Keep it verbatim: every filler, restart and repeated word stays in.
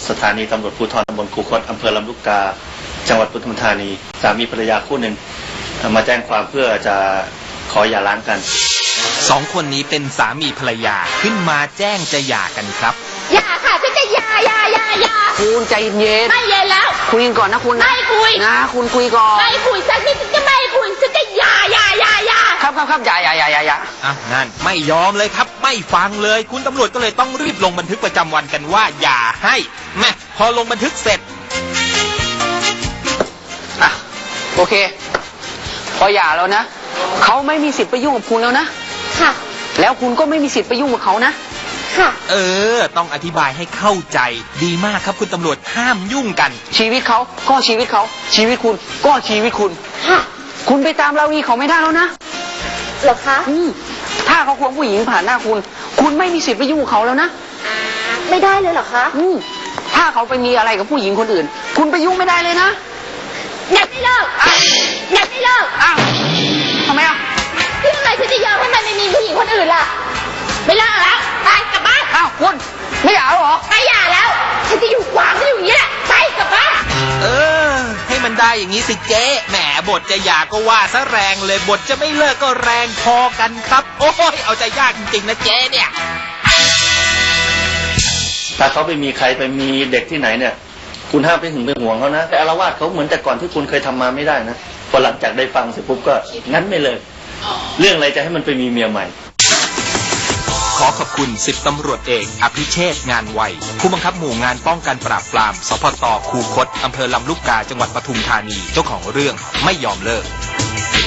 สถานีตำรวจภูธรตำบลคูคตอำเภอลำลูกกาจังหวัดปทุมธานีสามีภรรยาคู่หนึ่งมาแจ้งความเพื่อจะขอหย่าร้างกันสองคนนี้เป็นสามีภรรยาขึ้นมาแจ้งจะหย่ากันครับหย่าค่ะฉันจะหย่าหย่าหย่าหย่าคุณใจเย็นไม่เย็นแล้วคุยกันก่อนนะคุณไม่คุยนะคุณคุยก่อนไม่คุยฉันไม่จะไม่คุยฉันจะหย่าหย่าหย่าหย่าครับครับครับหย่าหย่าหย่าหย่าหย่าอ่ะนั่นไม่ยอมเลยครับไม่ฟังเลยคุณตำรวจก็เลยต้องรีบลงบันทึกประจำวันกันว่าหย่าให้แม่พอลงบันทึกเสร็จอ่ะโอเคพอหย่าแล้วนะเขาไม่มีสิทธิ์ไปยุ่งกับคุณแล้วนะค่ะแล้วคุณก็ไม่มีสิทธิ์ไปยุ่งกับเขานะค่ะเออต้องอธิบายให้เข้าใจดีมากครับคุณตำรวจห้ามยุ่งกันชีวิตเขาก็ชีวิตเขาชีวิตคุณก็ชีวิตคุณค่ะคุณไปตามราวีเขาไม่ได้แล้วนะเหรอคะอืมถ้าเขาควงผู้หญิงผ่านหน้าคุณคุณไม่มีสิทธิ์ไปยุ่งกับเขาแล้วนะไม่ได้เลยเหรอคะอืมถ้าเขาไปมีอะไรกับผู้หญิงคนอื่นคุณไปยุ่งไม่ได้เลยนะอยากไม่เลิกอยากไม่เลิกอ้าวทำไมอ่ะที่อะไรฉันจะยอมให้มันไม่มีผู้หญิงคนอื่นล่ะไม่เลิกแล้วไปกลับบ้านอ้าวคุณไม่หย่าแล้วเหรอไม่หย่าแล้วฉันจะอยู่ขวางฉันอยู่อย่างนี้แหละไปกลับบ้านเออให้มันได้อย่างนี้สิเจ๊แหมบทจะหย่าก็ว่าซะแรงเลยบทจะไม่เลิกก็แรงพอกันครับโอ้ยเอาใจยากจริงๆนะเจ๊เนี่ยถ้าเขาไปมีใครไปมีเด็กที่ไหนเนี่ยคุณห้ามไปหึงไปห่วงเขานะแต่อาละวาดเขาเหมือนแต่ก่อนที่คุณเคยทำมาไม่ได้นะพอหลังจากได้ฟังเสร็จปุ๊บก็งั้นไม่เลยเรื่องอะไรจะให้มันไปมีเมียใหม่ขอขอบคุณสิบตำรวจเอกอภิเชษฐ์งานไวผู้บังคับหมู่งานป้องกันปราบปรามสพตคูคตอำเภอลำลูกกาจังหวัดปทุมธานีเจ้าของเรื่องไม่ยอมเลิก